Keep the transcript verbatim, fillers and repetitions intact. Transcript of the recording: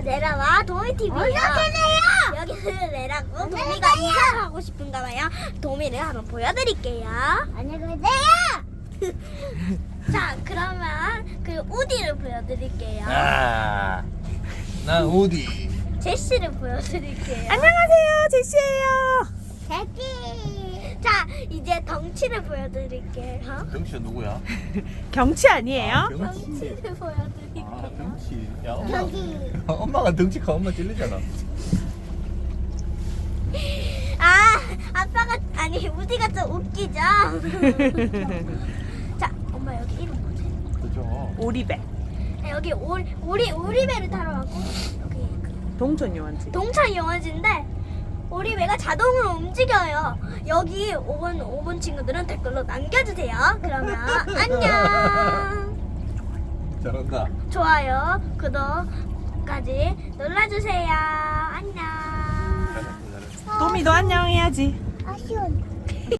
레라와 도미티비예요. 어서오세요. 여기는 레라고 도미가 이사를 하고 싶은가 봐요. 도미를 한번 보여드릴게요. 안녕히 계세요. 자, 그러면 그 우디를 보여드릴게요. 아, 난 우디. 제시를 보여드릴게요. 안녕하세요, 제시예요. 제시. 자, 이제 덩치를 보여드릴게요. 경치가 누구야? 경치 아니에요? 아, 경치. 덩치를 보여드릴게요. 아, 경치. 야, 엄마. 저기. 엄마가 덩치 가 엄마 찔리잖아. 아, 아빠가 아니 우디가 좀 웃기죠. 자, 엄마 여기 이름 뭐지? 그죠? 오리배. 아, 여기 오리 오리 오리배를 타러 왔고 여기 그 동천 요원지. 동천 영화제인데 오리배가 자동으로 움직여요. 여기 오 번 오 번 친구들은 댓글로 남겨주세요. 그러면 안녕. 잘한다. 좋아요, 구독까지 눌러주세요. 안녕. 잘했어, 잘했어. 도미도 안녕 해야지. 아쉬운.